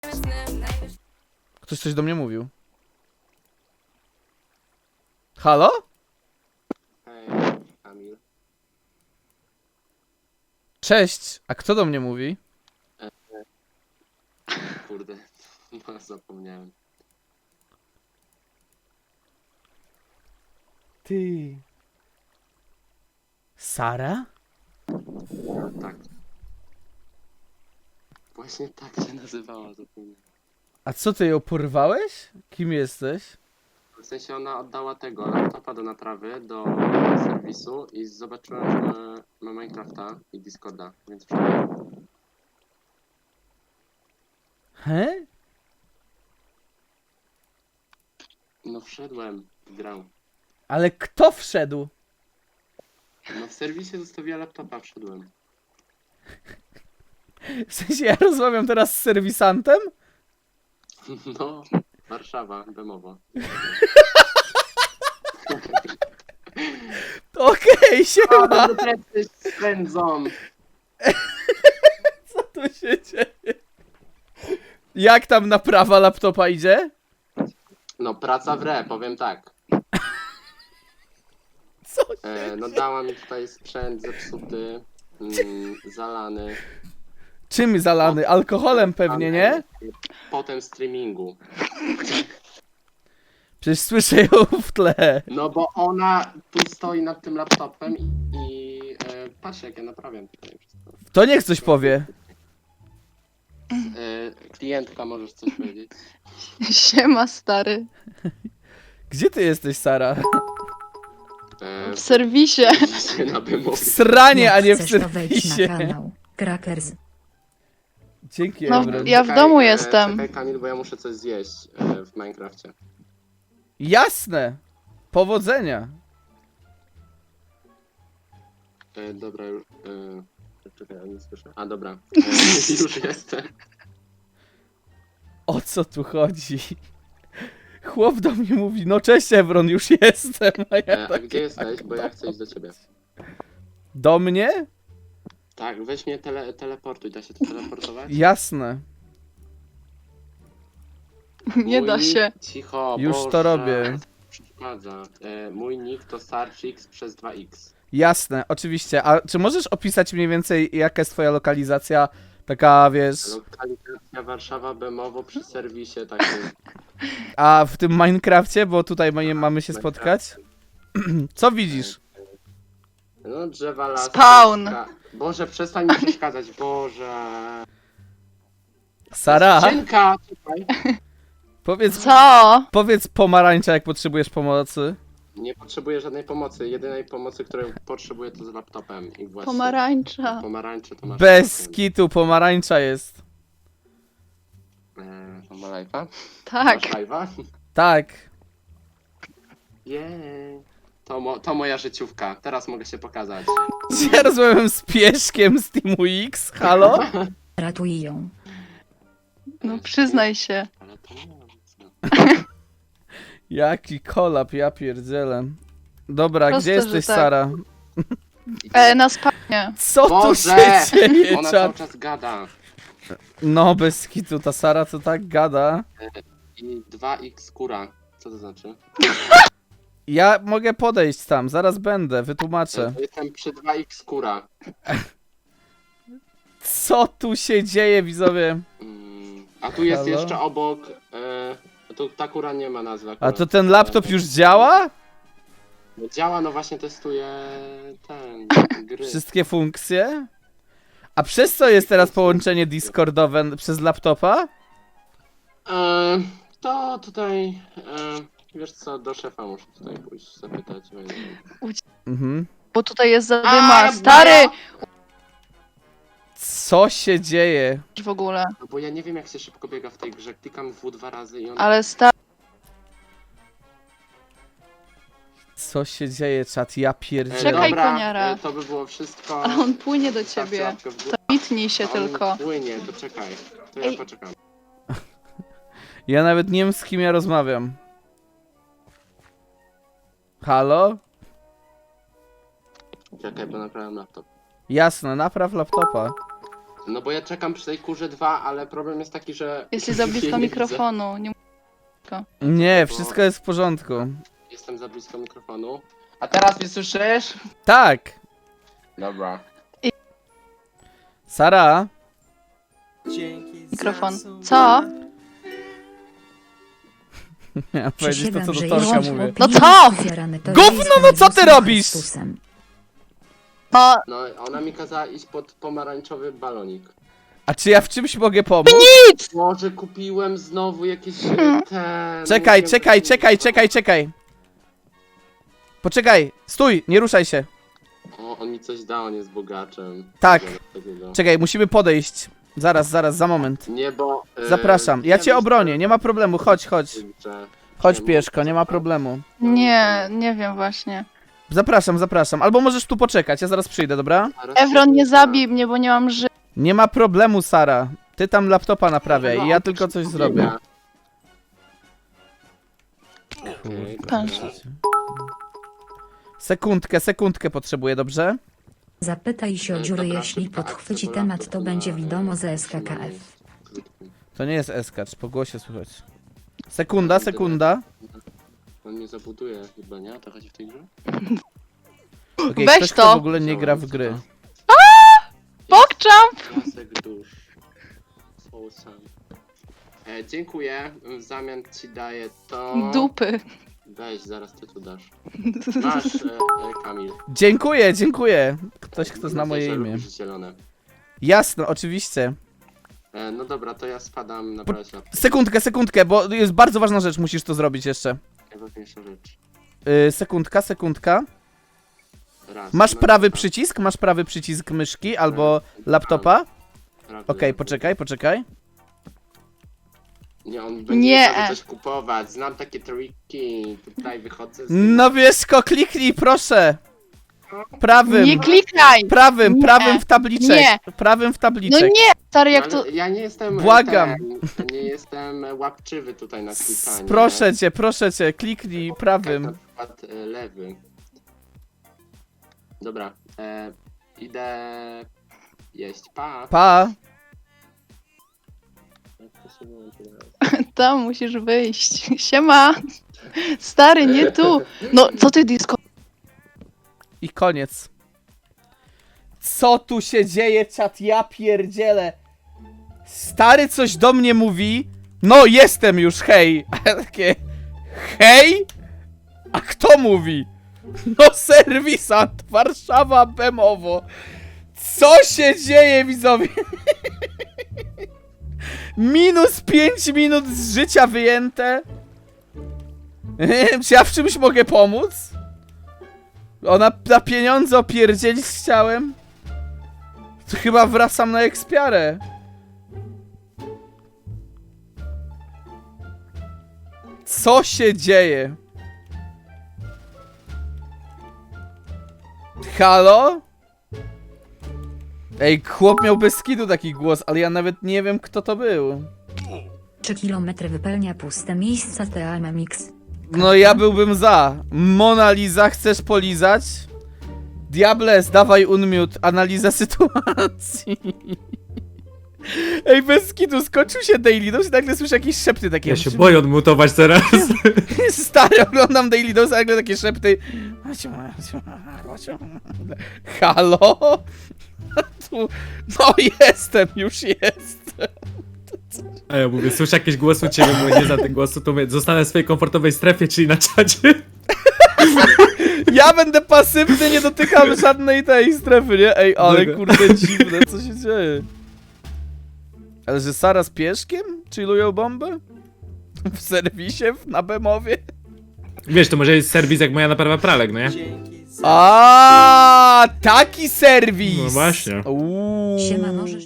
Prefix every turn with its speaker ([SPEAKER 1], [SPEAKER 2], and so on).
[SPEAKER 1] Ktoś coś do mnie mówił. Halo?
[SPEAKER 2] Hej, Kamil.
[SPEAKER 1] Cześć, a kto do mnie mówi?
[SPEAKER 2] Kurde, no, zapomniałem.
[SPEAKER 1] Ty. Sara?
[SPEAKER 2] Tak. Właśnie tak się nazywała, zapomniałem.
[SPEAKER 1] A co, ty ją porwałeś? Kim jesteś?
[SPEAKER 2] W sensie ona oddała tego laptopa do naprawy, do serwisu i zobaczyłem, że ma Minecrafta i Discorda, więc wszedłem.
[SPEAKER 1] He?
[SPEAKER 2] No wszedłem w grę.
[SPEAKER 1] Ale kto wszedł?
[SPEAKER 2] No w serwisie zostawiła laptopa, wszedłem.
[SPEAKER 1] W sensie ja rozmawiam teraz z serwisantem?
[SPEAKER 2] No, Warszawa, Bemowo.
[SPEAKER 1] Okej, siema!
[SPEAKER 2] Spędzą.
[SPEAKER 1] Co tu się dzieje? Jak tam naprawa laptopa idzie?
[SPEAKER 2] No praca w re, powiem tak.
[SPEAKER 1] Co?
[SPEAKER 2] No dała mi tutaj sprzęt zepsuty, zalany.
[SPEAKER 1] Czym zalany? Alkoholem pewnie, nie?
[SPEAKER 2] Potem streamingu.
[SPEAKER 1] Przecież słyszę ją w tle.
[SPEAKER 2] No bo ona tu stoi nad tym laptopem patrz jak ja naprawiam tutaj wszystko.
[SPEAKER 1] To niech coś powie.
[SPEAKER 2] Klientka, możesz coś powiedzieć?
[SPEAKER 3] Siema, stary.
[SPEAKER 1] Gdzie ty jesteś, Sara?
[SPEAKER 3] W serwisie.
[SPEAKER 2] Na Bemowie.
[SPEAKER 1] W sranie, a nie w
[SPEAKER 4] chcesz, to wejdź na
[SPEAKER 1] serwisie.
[SPEAKER 4] kanał Crackers.
[SPEAKER 1] Dzięki,
[SPEAKER 3] No,
[SPEAKER 1] Ebron.
[SPEAKER 3] ja w domu jestem.
[SPEAKER 2] Czekaj Kamil, bo ja muszę coś zjeść w Minecrafcie.
[SPEAKER 1] Jasne. Powodzenia.
[SPEAKER 2] Dobra, już... czekaj, ja nie słyszę. A dobra, już jestem.
[SPEAKER 1] O co tu chodzi? Chłop do mnie mówi, no cześć Ebron, już jestem. A ja
[SPEAKER 2] A
[SPEAKER 1] takie,
[SPEAKER 2] gdzie jesteś? Bo ja chcę iść do ciebie.
[SPEAKER 1] Do mnie?
[SPEAKER 2] Tak, weź mnie teleportuj, da się to teleportować?
[SPEAKER 1] Jasne.
[SPEAKER 3] Nie da
[SPEAKER 2] Mój
[SPEAKER 3] się.
[SPEAKER 2] nick- Cicho,
[SPEAKER 1] Już
[SPEAKER 2] Boże,
[SPEAKER 1] to robię.
[SPEAKER 2] Przeszkadza. Mój nick to Sarchix przez 2x.
[SPEAKER 1] Jasne, oczywiście. A czy możesz opisać mniej więcej, jaka jest twoja lokalizacja? Taka, wiesz...
[SPEAKER 2] Lokalizacja Warszawa, Bemowo przy serwisie takim.
[SPEAKER 1] A w tym Minecrafcie, bo tutaj mamy się spotkać? Co widzisz?
[SPEAKER 2] No drzewa, las.
[SPEAKER 3] Spawn.
[SPEAKER 2] Boże, przestań mi przeszkadzać, Boże.
[SPEAKER 1] Sara,
[SPEAKER 2] Skrzynka! Czekaj.
[SPEAKER 3] Co?
[SPEAKER 1] powiedz pomarańcza, jak potrzebujesz pomocy.
[SPEAKER 2] Nie potrzebuję żadnej pomocy. Jedynej pomocy, której potrzebuję, to z laptopem. I właśnie.
[SPEAKER 3] Pomarańcza.
[SPEAKER 2] Pomarańcze to masz.
[SPEAKER 1] Bez kitu, pomarańcza jest.
[SPEAKER 2] Ma live'a?
[SPEAKER 3] Tak.
[SPEAKER 2] Masz live'a?
[SPEAKER 1] Tak.
[SPEAKER 2] Jej. To moja życiówka. Teraz mogę się pokazać.
[SPEAKER 1] Czy ja rozmawiam z pieszkiem z Teamu X? Halo?
[SPEAKER 4] Ratuj ją.
[SPEAKER 3] No przyznaj się.
[SPEAKER 2] Ale to nie ma nic, no.
[SPEAKER 1] Jaki kolap, ja pierdzielę. Dobra,
[SPEAKER 3] Proste,
[SPEAKER 1] gdzie jesteś,
[SPEAKER 3] że tak.
[SPEAKER 1] Sara?
[SPEAKER 3] Na spawnie.
[SPEAKER 1] Co tu
[SPEAKER 2] Boże!
[SPEAKER 1] się dzieje,
[SPEAKER 2] Ona cały
[SPEAKER 1] czat?
[SPEAKER 2] czas gada.
[SPEAKER 1] No, bez kitu, ta Sara to tak gada.
[SPEAKER 2] I 2x kura. Co to znaczy?
[SPEAKER 1] Ja mogę podejść tam, zaraz będę, wytłumaczę.
[SPEAKER 2] Jestem przy 2x kura.
[SPEAKER 1] Co tu się dzieje, widzowie?
[SPEAKER 2] A tu jest
[SPEAKER 1] Halo?
[SPEAKER 2] jeszcze obok. Tu ta kura nie ma nazwy.
[SPEAKER 1] A
[SPEAKER 2] akurat.
[SPEAKER 1] to ten laptop już działa?
[SPEAKER 2] No działa, no właśnie testuję ten gry.
[SPEAKER 1] Wszystkie funkcje? A przez co jest teraz połączenie Discordowe przez laptopa?
[SPEAKER 2] To tutaj. Wiesz co, do szefa muszę tutaj pójść zapytać.
[SPEAKER 1] Mhm.
[SPEAKER 3] Bo tutaj jest
[SPEAKER 2] A,
[SPEAKER 3] zadyma. Stary!
[SPEAKER 1] Co się dzieje?
[SPEAKER 3] W ogóle.
[SPEAKER 2] No bo ja nie wiem jak się szybko biega w tej grze. Klikam W 2 razy i on.
[SPEAKER 3] Ale stary.
[SPEAKER 1] Co się dzieje, czat? Ja pierdzielę.
[SPEAKER 3] Czekaj,
[SPEAKER 2] dobra,
[SPEAKER 3] koniara.
[SPEAKER 2] to by było wszystko.
[SPEAKER 3] A on płynie do
[SPEAKER 2] Zostawcie
[SPEAKER 3] ciebie.
[SPEAKER 2] łapkę w górę.
[SPEAKER 3] To mitnij się
[SPEAKER 2] A on
[SPEAKER 3] tylko.
[SPEAKER 2] płynie, to czekaj. To ja
[SPEAKER 3] Ej.
[SPEAKER 2] poczekam.
[SPEAKER 1] Ja nawet nie wiem, z kim ja rozmawiam. Halo?
[SPEAKER 2] Czekaj, bo naprawiam laptop.
[SPEAKER 1] Jasne, napraw laptopa.
[SPEAKER 2] No bo ja czekam przy tej kurze 2, ale problem jest taki, że...
[SPEAKER 3] Jesteś za blisko
[SPEAKER 2] nie widzę.
[SPEAKER 3] mikrofonu. Nie...
[SPEAKER 1] Nie, wszystko jest w porządku.
[SPEAKER 2] Jestem za blisko mikrofonu. A teraz mnie słyszysz?
[SPEAKER 1] Tak.
[SPEAKER 2] Dobra.
[SPEAKER 1] Sara,
[SPEAKER 3] Mikrofon. Co?
[SPEAKER 1] miałem powiedzieć to, co do
[SPEAKER 4] Przysięgam, że
[SPEAKER 1] Torka
[SPEAKER 4] jeśli
[SPEAKER 1] mówię.
[SPEAKER 4] chłop
[SPEAKER 3] No
[SPEAKER 4] jest
[SPEAKER 3] co?
[SPEAKER 4] ofiarany, to
[SPEAKER 1] Gówno,
[SPEAKER 4] jestem
[SPEAKER 1] no co ty
[SPEAKER 4] Jezusem
[SPEAKER 1] robisz?
[SPEAKER 4] Chrystusem.
[SPEAKER 3] No,
[SPEAKER 2] No, ona mi kazała iść pod pomarańczowy balonik.
[SPEAKER 1] A czy ja w czymś mogę pomóc?
[SPEAKER 2] Może kupiłem znowu jakieś ten...
[SPEAKER 1] Czekaj,
[SPEAKER 2] mówiłem,
[SPEAKER 1] czekaj,
[SPEAKER 2] że-
[SPEAKER 1] czekaj, czekaj, czekaj. Poczekaj, stój, nie ruszaj się.
[SPEAKER 2] O, on mi coś dał, on jest bogaczem.
[SPEAKER 1] Tak.
[SPEAKER 2] Takiego.
[SPEAKER 1] Czekaj, musimy podejść. Zaraz, za moment.
[SPEAKER 2] Nie, bo...
[SPEAKER 1] Zapraszam, ja cię obronię, nie ma problemu, chodź, chodź.
[SPEAKER 2] Że...
[SPEAKER 1] Chodź pieszko, nie ma problemu.
[SPEAKER 3] nie wiem właśnie.
[SPEAKER 1] Zapraszam. Albo możesz tu poczekać, ja zaraz przyjdę, dobra?
[SPEAKER 3] Evron, nie zabij mnie, bo nie mam ży...
[SPEAKER 1] Nie ma problemu, Sara. Ty tam laptopa naprawiaj i ja tylko coś zrobię.
[SPEAKER 2] Okej,
[SPEAKER 3] Patrz.
[SPEAKER 2] dobra.
[SPEAKER 1] Sekundkę potrzebuję, dobrze?
[SPEAKER 4] Zapytaj się o dziury, jeśli podchwyci temat, to będzie wiadomo ze SKKF.
[SPEAKER 1] To nie jest eskacz, po głosie słychać. Sekunda.
[SPEAKER 2] On mnie zabuduje chyba, nie? O to chodzi w tej grze?
[SPEAKER 1] Okej,
[SPEAKER 3] Weź
[SPEAKER 1] ktoś,
[SPEAKER 3] to.
[SPEAKER 1] kto w ogóle nie gra w gry.
[SPEAKER 3] Pokczam!
[SPEAKER 2] Piasek dusz. Soulsam. Dziękuję. W zamian ci daję to...
[SPEAKER 3] Dupy.
[SPEAKER 2] Weź, zaraz ty tu dasz. Masz, Kamil.
[SPEAKER 1] Dziękuję. Ktoś, kto zna moje
[SPEAKER 2] Że
[SPEAKER 1] imię.
[SPEAKER 2] lubisz zielone.
[SPEAKER 1] Jasno, oczywiście.
[SPEAKER 2] No dobra, to ja spadam na prawie laptop.
[SPEAKER 1] Sekundkę, bo jest bardzo ważna rzecz, musisz to zrobić jeszcze.
[SPEAKER 2] Najważniejsza rzecz.
[SPEAKER 1] Sekundka.
[SPEAKER 2] Raz.
[SPEAKER 1] Masz
[SPEAKER 2] no
[SPEAKER 1] prawy
[SPEAKER 2] dobra.
[SPEAKER 1] przycisk? Masz prawy przycisk myszki albo laptopa?
[SPEAKER 2] Prawy,
[SPEAKER 1] Okej,
[SPEAKER 2] lewy.
[SPEAKER 1] poczekaj.
[SPEAKER 2] Nie, on będzie
[SPEAKER 3] Nie.
[SPEAKER 2] sobie coś kupować. Znam takie triki. Tutaj wychodzę z...
[SPEAKER 1] No wieszko, kliknij, proszę. Prawym.
[SPEAKER 3] Nie klikaj!
[SPEAKER 1] Prawym
[SPEAKER 3] Nie.
[SPEAKER 1] w tabliczek.
[SPEAKER 3] Nie.
[SPEAKER 1] Prawym w
[SPEAKER 3] No
[SPEAKER 1] tabliczek.
[SPEAKER 3] nie, stary, jak
[SPEAKER 2] Ale
[SPEAKER 3] to...
[SPEAKER 2] ja nie jestem...
[SPEAKER 1] Błagam.
[SPEAKER 2] Nie jestem łapczywy tutaj na klikanie.
[SPEAKER 1] Proszę cię, kliknij
[SPEAKER 2] Na
[SPEAKER 1] prawym.
[SPEAKER 2] przykład lewy. Dobra, idę jeść. Pa.
[SPEAKER 1] Pa.
[SPEAKER 3] Tam musisz wyjść. Siema! Stary, nie tu! No, co ty disco?
[SPEAKER 1] I koniec. Co tu się dzieje, czat? Ja pierdzielę. Stary coś do mnie mówi. No, jestem już, hej. A ja takie, hej? A kto mówi? No, serwisant, Warszawa, Bemowo. Co się dzieje, widzowie? Minus 5 minut z życia wyjęte. Czy ja w czymś mogę pomóc? Ona na pieniądze opierdzielić chciałem? To chyba wracam na ekspiarę. Co się dzieje? Halo? Ej, chłop miał bez skidu taki głos, ale ja nawet nie wiem, kto to był.
[SPEAKER 4] 3 kilometry wypełnia puste miejsca TAMX.
[SPEAKER 1] No ja byłbym za. Mona Lisa, chcesz polizać? Diables, dawaj unmute. Analiza sytuacji. Ej, bez skidu, skończył się Daily Dose i nagle słyszę jakieś szepty takie.
[SPEAKER 5] Ja się boję odmutować teraz.
[SPEAKER 1] Stary, oglądam Daily Dose, a nagle takie szepty. Halo? Tu... No już jestem.
[SPEAKER 5] A ja mówię, słyszę jakieś głosy u ciebie, mówię, nie za ten głosu, to mówię, zostanę w swojej komfortowej strefie, czyli na czacie.
[SPEAKER 1] Ja będę pasywny, nie dotykam żadnej tej strefy, nie? Ej, ale
[SPEAKER 5] Dobra.
[SPEAKER 1] kurde dziwne, co się dzieje? Ale że Sara z pieszkiem? Chillują bombę? W serwisie? Na Bemowie?
[SPEAKER 5] Wiesz, to może jest serwis jak moja naprawa pralek, no nie?
[SPEAKER 1] A, taki serwis!
[SPEAKER 5] No właśnie.
[SPEAKER 1] Uuu.
[SPEAKER 4] Siema, możesz